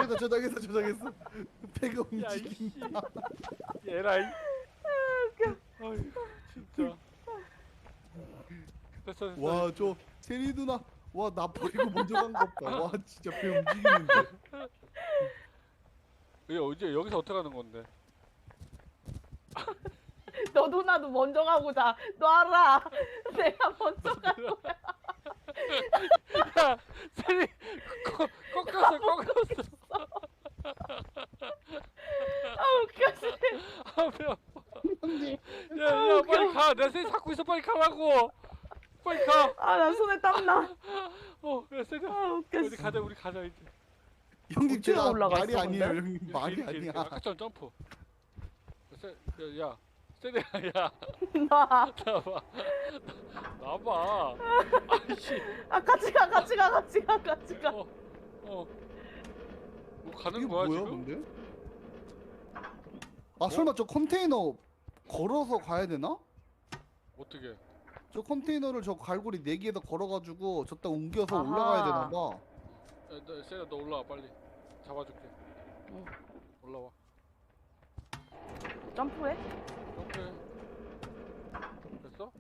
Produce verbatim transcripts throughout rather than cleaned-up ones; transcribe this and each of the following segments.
저장했어 저장했어 저장했어. 배가 야, 움직인다. 얘라이. 아이 진짜. 됐어 됐어. 와 저 세리 누나 와 나 버리고 먼저 간 거 봐. 와 진짜 배 움직이는데. 이게 어제 여기서 어떻게 하는 건데? 너도 나도 먼저 가고 자. 놔라. 내가 먼저 갈 거야. 야, 세리 꺾- 꺾였어 꺾였어. 아 웃겨. 씨. 아 배워. 형님. 야야 빨리 가. 내 세리 잡고 있어 빨리 가라고. 빨리 가. 아나 손에 땀 나. 어, 야 세리야. 아 웃겨. 우리 가자 우리 가자 이제. 형님 어떻게 제가 올라갔어, 말이 아니에요 근데? 형님 이렇게, 말이 이렇게, 이렇게. 아니야. 아까처럼 점프. 세, 야, 야, 세리야, 야, 나. 나봐, 나봐. 아이씨, 아 같이 가 같이 가 같이 가 같이 가. 어, 어, 뭐 가는 이게 거야 뭐야 지금? 근데? 아 설마 저 컨테이너 걸어서 가야 되나? 어떻게? 저 컨테이너를 저 갈고리 네 개에다 걸어가지고 저따 옮겨서 아하. 올라가야 되나 봐. 야, 너, 세리야, 너 올라와 빨리. 잡아줄게. 응. 올라와. 점프해? 점프해. 됐어?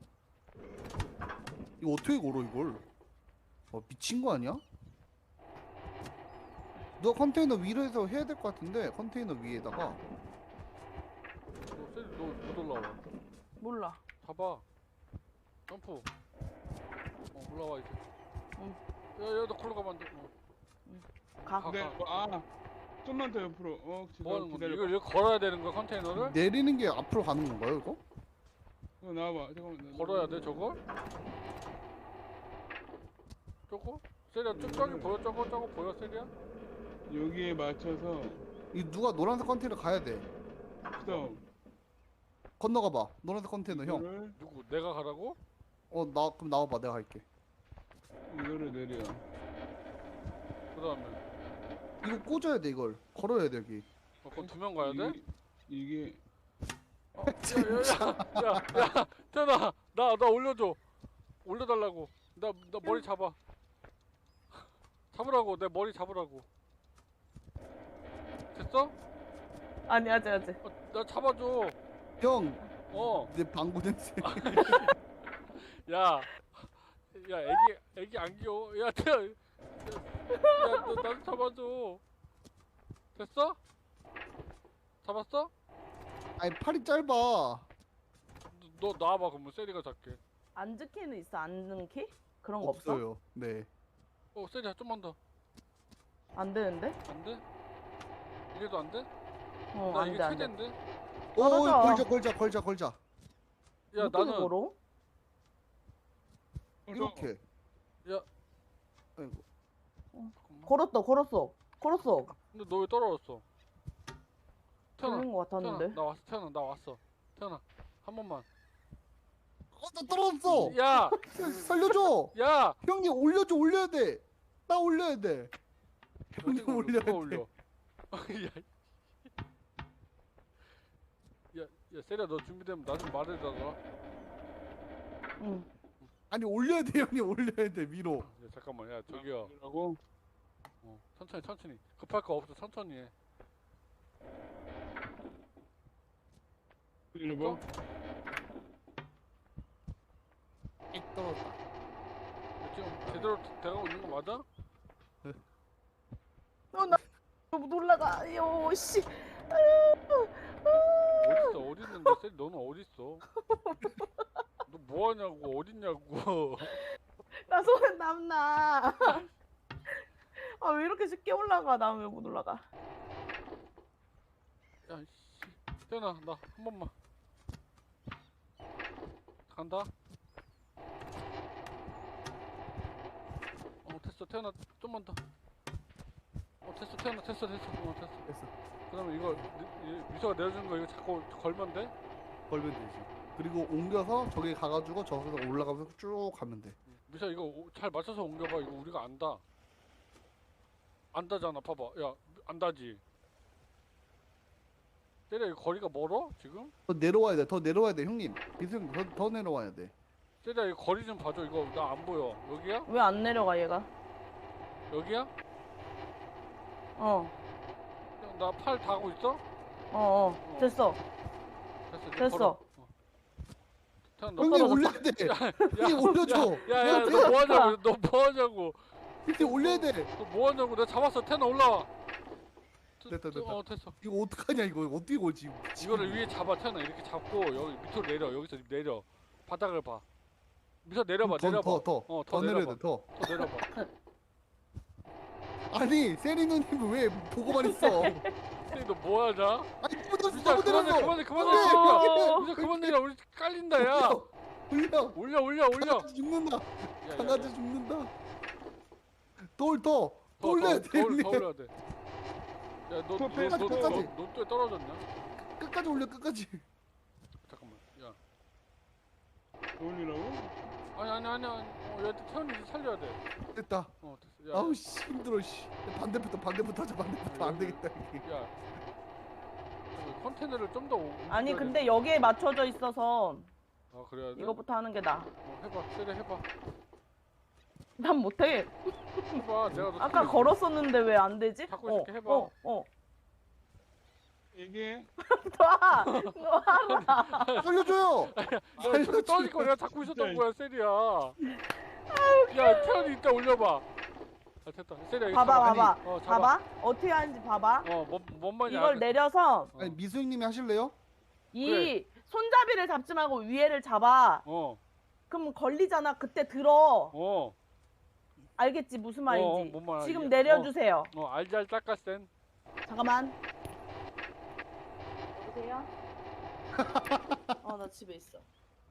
이거 어떻게 걸어 이걸? 어 미친 거 아니야? 너 컨테이너 위로 해서 해야 될 것 같은데 컨테이너 위에다가 너 세리 너못 올라와. 몰라. 잡아. 점프. 어, 올라와 이제. 응. 야, 야, 너 걸로 가면 안 돼. 어. 가. 가. 근데 뭐, 아 좀만 더 옆으로. 어 뭐 하는 지금 건데? 기다려. 이걸 이거 걸어야 되는 거야 컨테이너를? 내리는 게 앞으로 가는 건가요 이거? 어, 나와봐. 잠깐만. 나- 걸어야 돼 저걸? 저거? 세리야 저, 저기 보여? 저거 저거 보여 세리야? 여기에 맞춰서 이 누가 노란색 컨테이너 가야 돼. 스톱. 건너가 봐. 노란색 컨테이너 형. 이거를 누구? 내가 가라고? 어 나 그럼 나와봐 내가 할게. 이거를 내려. 그 다음에 이거 꽂아야 돼 이걸. 걸어야 돼 여기. 어, 그럼 두 명 가야 돼? 이게, 이게 어, 야야야야야 태연아 나 나 올려줘 올려달라고 나 나 머리 잡아 잡으라고 내 머리 잡으라고 됐어? 아니 아직 아직. 어, 나 잡아줘 형, 어 내 방구 냄새. 야, 야, 애기, 애기 안 귀여워. 야, 태야, 야, 너 나도 잡아줘. 됐어? 잡았어? 아니 팔이 짧아. 너, 너 나와봐. 그러면 세리가 잡게. 앉은 키는 있어? 앉는 키? 그런 거 없어? 없어요. 네. 어, 세리야, 좀만 더. 안 되는데? 안 돼? 이래도 안 돼? 어 나 안 이게 돼 안 돼. 최대인데? 오 걸어줘. 걸자 걸자 걸자 걸자. 야, 이렇게 나는, 걸어? 이렇게. 야, 아이고. 잠깐만. 걸었다 걸었어 걸었어. 근데 너 왜 떨어졌어? 태연아, 걸린 거 태연아, 같았는데. 나 왔어. 태연아, 나 왔어. 태연아, 한 번만. 어나 떨어졌어. 야, 살려줘. 야! 형님 올려줘 올려야 돼. 나 올려야 돼. 형님 어디가 올려야 누가 돼. 올려? 야, 야, 야, 세리야, 너 준비되면 나 좀 말해달라. 응. 아니 올려야 돼 형님 올려야 돼 위로. 야, 잠깐만, 야, 저기요. 라고 어, 천천히, 천천히. 급할 거 없어, 천천히 해. 이거 익 떨어졌다. 야, 지금 제대로 돼가고 있는 거 맞아? 어나 너무 놀라가. 요 씨. 어딨어, 어디 있는데, 세리, 너는 어딨어? 너 뭐하냐고, 어딨냐고. 나 손에 땀 나. 아 왜 이렇게 쉽게 올라가? 나 왜 못 올라가? 야, 씨. 태연아, 나 한 번만. 간다. 어, 됐어, 태연아, 좀만 더. 어, 됐어, 태연아, 됐어, 됐어. 어, 됐어. 됐어. 그러면 이거, 미- 이- 미소가 내려주는 거 이거 자꾸 걸면 돼? 걸면 되지. 그리고 옮겨서 저기 가가지고 저기서 올라가면서 쭉 가면 돼. 미소 이거 오- 잘 맞춰서 옮겨봐. 이거 우리가 안다. 안다잖아, 봐봐. 야, 안다지. 때려, 이거 거리가 멀어? 지금? 더 내려와야 돼. 더 내려와야 돼 형님. 비승 더, 더 내려와야 돼. 때려, 이거 거리 좀 봐줘. 이거 나 안 보여. 여기야? 왜 안 내려가 얘가? 여기야? 어. 나 팔 닿고 있어? 어어 됐어 됐어. 이제 됐어. 걸어. 어. 태연 너. 형님 떨어졌어. 올려야 돼. 형님 올려줘. 야야 내가 너 뭐 하냐고? 너 뭐 하냐고? 형님 올려야 돼. 너 뭐 하냐고? 내가 잡았어. 태연 올라와. 트- 됐다, 트- 됐다. 어 됐어. 이거 어떡하냐 이거 어떻게 걸지? 이거를 위에 잡아 태연아 이렇게 잡고 여기 밑으로 내려. 여기서 내려. 바닥을 봐. 밑으로 내려봐. 더, 내려봐. 더, 더, 어, 더 내려야 돼 더. 더 내려봐. 아니 세리 누님 왜 보고만 있어? 태연 너뭐 하냐? 아니 묻었어 미자 못 그만해 내렸어. 그만해 그만해. 안 돼. 어. 미자 그만 내려. 우리 깔린다 야. 올려. 올려 올려 올려. 강아지 죽는다. 야, 야, 야. 강아지 죽는다. 돌 더. 더, 더 올려야 더, 돼. 더, 올- 형님. 더 올려야 돼. 야, 너, 너, 끝까지, 너, 너, 끝까지. 너, 너, 또 떨어졌냐? 끝까지 올려 끝까지. 잠깐만. 야, 올리라고? 아니, 아니, 아니, 아니. 어, 야, 태연이 이제 살려야 돼. 됐다. 어, 됐어. 야, 아우 씨 힘들어 씨. 반대부터 반대부터 하자 반대부터 안 되겠다 이게. 야, 그 컨테이너를 좀 더. 아니 근데 여기에 맞춰져 있어서 아, 그래야 돼? 이거부터 하는 게 나아. 어, 해봐, 세례 해봐. 난 못해. 해봐, 내가 너 아까 살려줄게. 걸었었는데 왜 안 되지? 자꾸 이렇게 해봐. 어, 어. 이게 놔! 놔! 살려줘요. 야, 저기 떨어질 거 내가 잡고 있었던 거야, 세리야. 야, 태연이 이따 올려봐. 아, 됐다. 세리야, 이거 봐봐, 잡아. 봐봐. 아니, 어, 잡아. 봐봐. 어떻게 하는지 봐봐. 어, 뭔, 뭔 말이야. 이걸 내려서 아니 미수 형님이 하실래요? 이 그래. 손잡이를 잡지 말고 위에를 잡아. 어, 그럼 걸리잖아. 그때 들어. 어, 알겠지? 무슨 어, 말인지. 뭔 말이야. 지금 어. 내려주세요. 어, 알잘 짝까센. 잠깐만. 여보세요? 어, 나 집에 있어.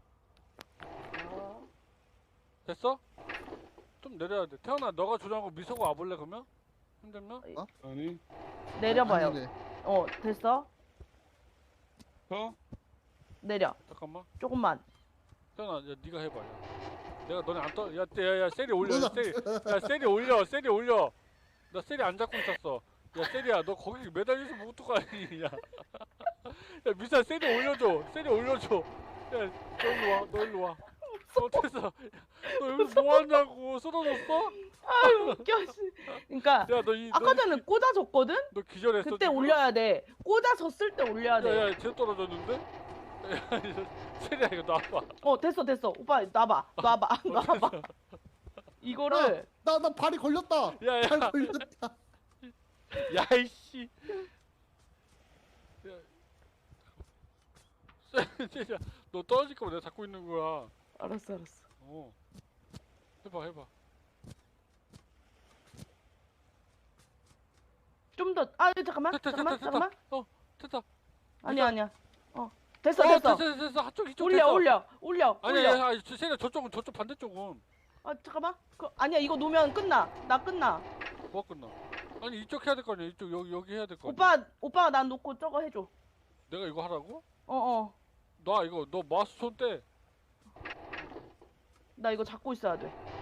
어. 됐어? 좀 내려야 돼. 태연아, 너가 조정하고 미소가 와볼래 그러면? 힘들면? 아니 내려봐요. 아니래. 어, 됐어? 더? 내려. 잠깐만. 조금만. 태연아, 야, 네가 해봐. 야. 내가 너네 안 떠. 야, 야, 야, 세리 올려. 누나. 세리. 야, 세리 올려. 세리 올려. 나 세리 안 잡고 있었어. 야, 세리야, 너 거기 매달려서 뭐 어떡하니? 야, 야, 미사 세리 올려줘. 세리 올려줘. 야, 너 일로 와. 너 일로 와. 어, 됐어. 너 여기서 뭐 하냐고. 쓰러졌어? 아유, 웃겨. 씨. 그러니까 야, 너 이, 아까 너, 전에 꽂아줬거든? 너 기절했어. 그때 지금? 올려야 돼. 꽂아졌을 때 올려야 돼. 야, 야, 쟤 떨어졌는데? 야, 이거 세리야, 이거 놔봐. 어, 됐어, 됐어. 오빠, 놔봐. 놔봐. 놔봐. 이거를. 나 나 발이 걸렸다. 야, 야, 발 걸렸다. 야, 이씨. 야, 세리야, 너 떨어질 거면 내가 잡고 있는 거야. 알았어, 알았어. 어. 해봐, 해봐. 좀 더. 아, 잠깐만. 됐다, 잠깐만. 됐다, 잠깐만. 됐다. 어, 됐다. 아니야, 아니야. 어. 됐어, 어, 됐어. 됐어, 됐어. 한쪽 이쪽 올려, 됐어. 올려. 올려. 아니야, 올려. 야, 야, 세리야, 저쪽은 저쪽 반대쪽은 아, 잠깐만. 그, 아니야, 이거 놓으면 끝나. 나 끝나. 뭐가 끝나? 아니 이쪽 해야 될 거 아니야? 이쪽 여기 여기 해야 될 거 아니야? 오빠, 오빠가 난 놓고 저거 해줘. 내가 이거 하라고? 어, 어. 나 이거 너 마우스 손 떼. 나 이거 잡고 있어야 돼.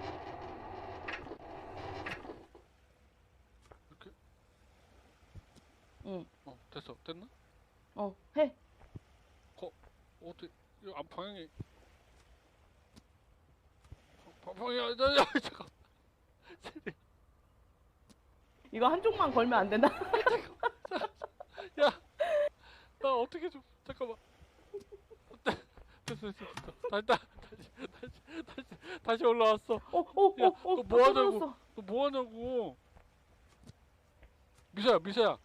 이렇게. 응. 어, 됐어. 됐나? 어, 해. 어떻게 이거 안 방향이 방- 방향이 야, 야, 야, 잠깐. 세리. 이거 한쪽만 걸면 안 되나? 야, 나 어떻게 좀 잠깐만. 됐어, 됐어, 됐어. 다시, 다- 다시, 다시, 다시, 다시 올라왔어. 어, 어, 야, 어, 어. 너 뭐 하냐고. 떨어졌어. 너 뭐 하냐고. 미소야, 미소야.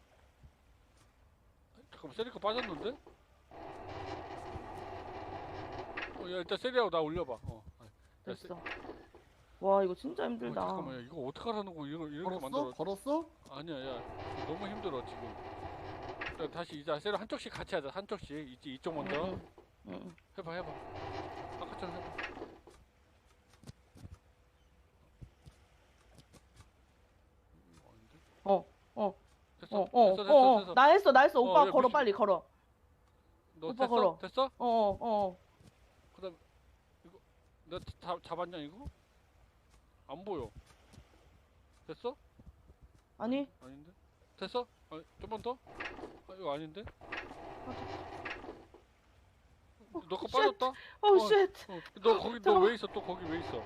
잠깐만, 세리가 빠졌는데? 어, 야, 일단 세리하고 나 올려봐. 어. 야, 세- 됐어. 와, 이거 진짜 어, 힘들다. 잠깐만, 야, 이거 어떡하라는 거 이거 이렇게 걸었어? 만들어. 걸었어? 아니야, 야, 너무 힘들어 지금. 야, 다시 이제 세리 한쪽씩 같이 하자. 한쪽씩. 이쪽 이쪽 먼저. 응, 응, 응. 해봐, 해봐. 아까처럼 해봐. 음, 아닌데? 어, 어, 됐어, 어, 어, 됐어, 됐어, 어, 어. 됐어. 나 했어, 나 했어. 어, 오빠 왜 걸어, 무시- 빨리 걸어. 너 오빠 됐어? 걸어. 됐어? 어, 어, 어. 그다음 이거 내가 잡 잡았냐 이거? 안 보여. 됐어? 아니, 아닌데? 됐어? 아, 좀만 더? 아, 이거 아닌데? 너 거 쉣. 빠졌다? 어, 어. 쉣. 어, 너 거기 너 잠깐만. 왜 있어? 또 거기 왜 있어?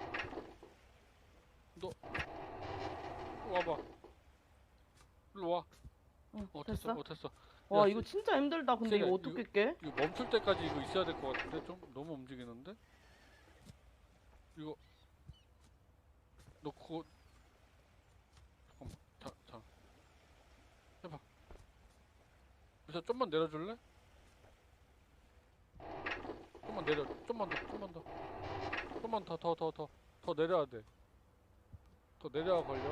너 와봐. 일로 와. 응, 어 됐어. 됐어? 어 됐어. 와 야, 이거 진짜 힘들다. 근데 세리야, 이거 어떻게 깨? 이거 멈출 때까지 이거 있어야 될 것 같은데 좀 너무 움직이는데? 이거 너 그거 잠깐만. 자, 자. 해봐. 미사 좀만 내려줄래? 좀만 내려. 좀만 더. 좀만 더. 좀만 더 더 더 더 더 내려야 돼. 더 내려야 걸려.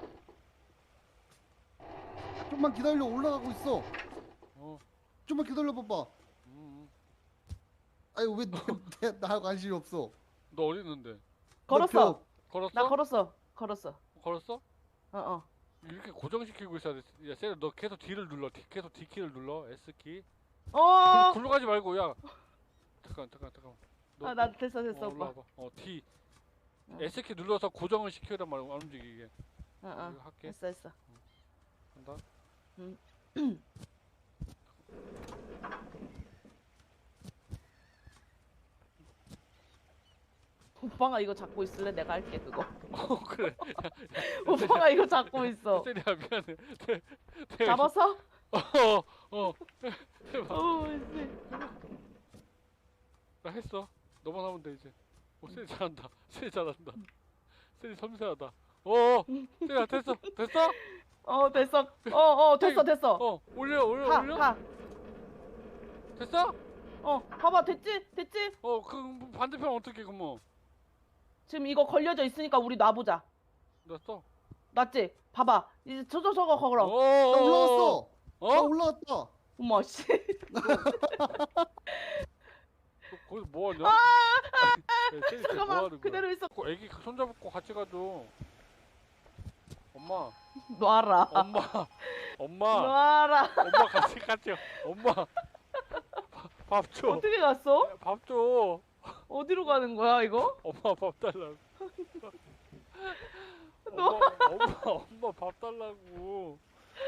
좀만 기다려. 올라가고 있어. 어. 좀만 기다려 봐봐. 음. 음. 아니 왜 내, 나 관심이 없어. 너 어디 있는데? 걸었어. 걸었어? 나 걸었어. 걸었어. 걸었어? 어 어. 이렇게 고정시키고 있어야 돼. 야, 세리 너 계속 D를 눌러. D, 계속 D 키를 눌러. S 키. 어. 굴러 가지 말고 야. 잠깐 잠깐 잠깐. 너, 아, 나 됐어 됐어 어, 오빠. 올라와봐. 어 D. 어. S 키 눌러서 고정을 시켜란 말이야. 안 움직이게. 어 어. 이거 할게. 됐어 됐어. 간다. 오빠가 이거 잡고 있을래? 내가 할게 그거. 어 그래. 오빠가 이거 잡고 있어. 세리야 미안해. 대, 대, 잡았어? 어 어. 해봐. 어, 씨. 나 했어. 너만 하면 돼 이제. 오 세리 잘한다. 세리 잘한다. 세리 섬세하다. 어. 세리야 됐어. 됐어? 어 됐어. 어 어 됐어 됐어. 어 올려 올려 가 올려. 가. 됐어? 어 봐봐 됐지 됐지. 어 그 반대편 어떻게 그뭐 지금 이거 걸려져 있으니까 우리 놔보자. 됐어? 맞지? 봐봐. 이제 저저 저거 걸어. 어, 나 올라갔어. 나 어? 올라갔다. 어머 씨. 너 거기서 뭐 하냐? 아, 야, 쟤 이제 뭐 잠깐만 하는 거야? 그대로 있어. 그 애기 손잡고 같이 가줘. 엄마, 놔라. 엄마, 엄마, 놔라. 엄마 같이 같이. 엄마, 밥 줘. 어떻게 갔어? 밥 줘. 어디로 가는 거야 이거? 엄마 밥 달라고. 너- 엄마, 엄마, 엄마 밥 달라고.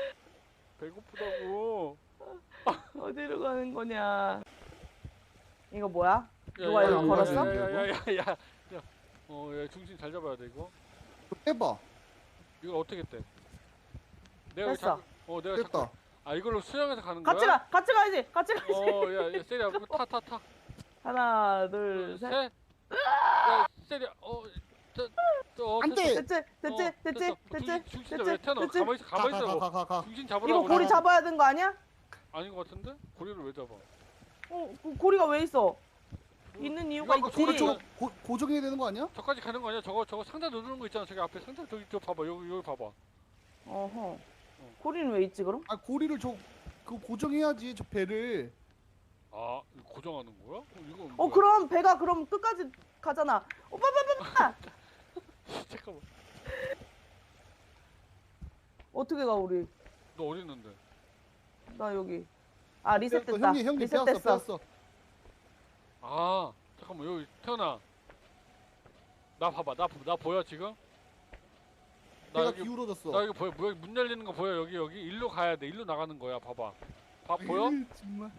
배고프다고. 어디로 가는 거냐? 이거 뭐야? 야, 누가 야, 이거 야, 걸었어? 야, 야, 야, 야, 야, 야. 어, 야, 중심 잘 잡아야 돼 이거. 해봐. 이걸 어떻게 떼? 내가 됐어. 자꾸, 어, 내가 됐다. 자꾸, 아 이걸로 수영해서 가는 거야? 같이 가. 같이 가야지. 같이 가야지. 어, 야, 야, 세리야, 타, 타, 타. 하나, 둘, 셋. 야, 세리야, 어, 저, 저, 어, 안 됐어. 돼. 됐지? 됐지? 어, 됐지? 됐어. 됐지? 중심, 중심 됐지? 왜 태어나? 됐지? 가만히 있어, 가만히 있어. 가, 가, 가, 가. 중심 잡으라고. 이거 고리 그래. 잡아야 되는 거 아니야? 아닌 것 같은데? 고리를 왜 잡아? 어, 그 고리가 왜 있어? 있는 이유가 이거 있지. 고리 저거 고, 고정해야 되는 거 아니야? 저까지 가는 거 아니야? 저거, 저거 상자 누르는 거 있잖아. 저기 앞에 상자 저기 저 봐봐. 여기 여기 봐봐. 어허. 고리는 왜 있지 그럼? 아 고리를 저 그거 고정해야지 저 배를. 아, 이거 고정하는 거야? 어, 이거 어 뭐야? 그럼 배가 그럼 끝까지 가잖아. 오빠 오빠 오빠. 잠깐만. 어떻게 가 우리? 너 어디 있는데? 나 여기. 아 리셋됐다. 어, 형님 형님 빼앗어 리셋됐어. 빼앗어. 아, 잠깐만 여기 태어나. 나 봐봐. 나, 보- 나 보여 지금? 나 배가 여기 기울어졌어. 나 여기 보여. 문, 문 열리는 거 보여. 여기 여기 일로 가야 돼. 일로 나가는 거야. 봐봐. 봐 보여? 으이, 정말.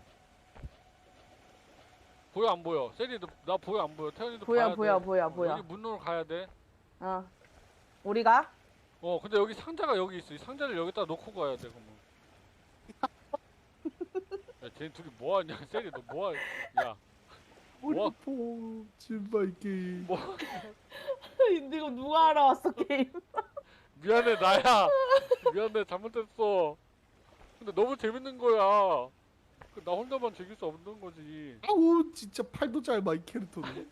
보여 안 보여? 세리도 나 보여 안 보여? 태연이도 보여 봐야 보여 돼. 보여 어, 보여. 여기 문으로 가야 돼. 어. 우리가 어, 근데 여기 상자가 여기 있어. 이 상자를 여기다 놓고 가야 돼. 그러면. 야, 쟤 둘이 뭐 하냐? 세리 너 뭐 하냐? 야, 우리 뭐? 포 제발 게임. 뭐 이거 누가 알아왔어 게임? 미안해 나야. 미안해 잘못했어. 근데 너무 재밌는 거야. 그 나 혼자만 즐길 수 없는 거지. 아우 진짜 팔도 짧아 이 캐릭터는.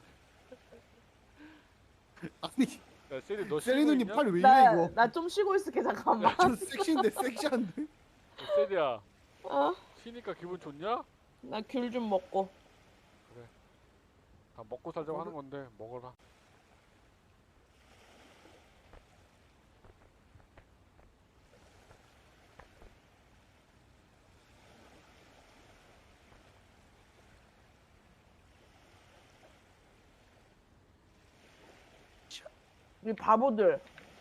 아니 야, 세리 너 세리 쉬고 누님 있냐? 팔 왜 이래 나 이거? 나 좀 쉬고 있을게 잠깐만. 저 섹시인데 섹시한데? 야, 세리야, 어? 쉬니까 기분 좋냐? 나 귤 좀 먹고. 다 먹고 살자고 하는 건데 먹어라. 이 바보들.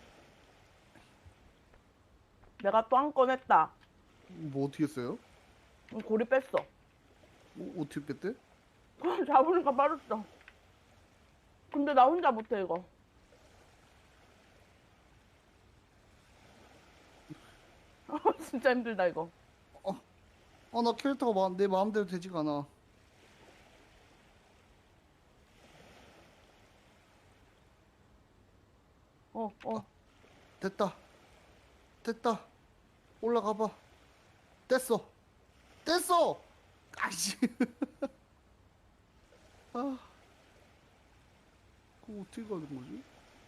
내가 또 한 건 했다. 뭐 어떻게 했어요? 고리 뺐어. 뭐, 어떻게 뺐대? 잡으니까 빠졌어. 근데 나 혼자 못해 이거. 진짜 힘들다 이거. 아, 나 캐릭터가 마, 내 마음대로 되지가 않아. 어, 어. 됐다. 됐다. 올라가봐. 됐어. 됐어! 아이씨. 아. 그거 어떻게 가는 거지?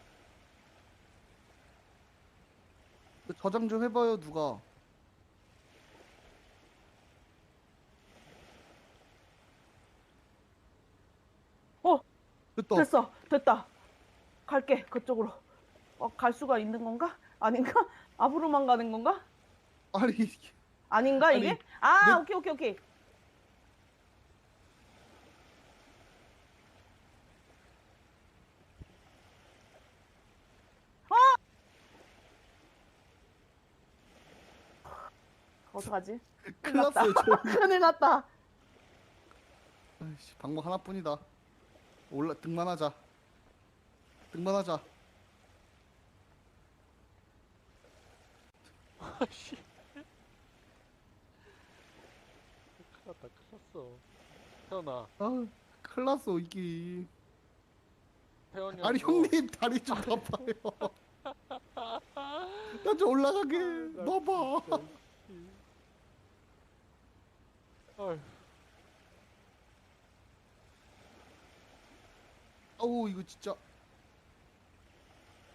저장 좀 해봐요, 누가. 어, 됐다. 됐어. 됐다. 갈게. 그쪽으로. 어, 갈 수가 있는 건가? 아닌가? 앞으로만 가는 건가? 아니, 아닌가 아니, 이게? 아, 내- 오케이, 오케이, 오케이. 어떡하지? 큰일 났어요, 저. 큰일 났다. 아이씨, 방법 하나뿐이다. 올라, 등만 하자. 등만 하자. 아씨. 큰일 났다, 큰일 났어. 태연아, 아, 큰일 났어, 이게. 태연이 아니, 형님, 다리 좀 봐봐요. 나 좀 올라가게. 놔봐. 아휴. 아우, 이거 진짜.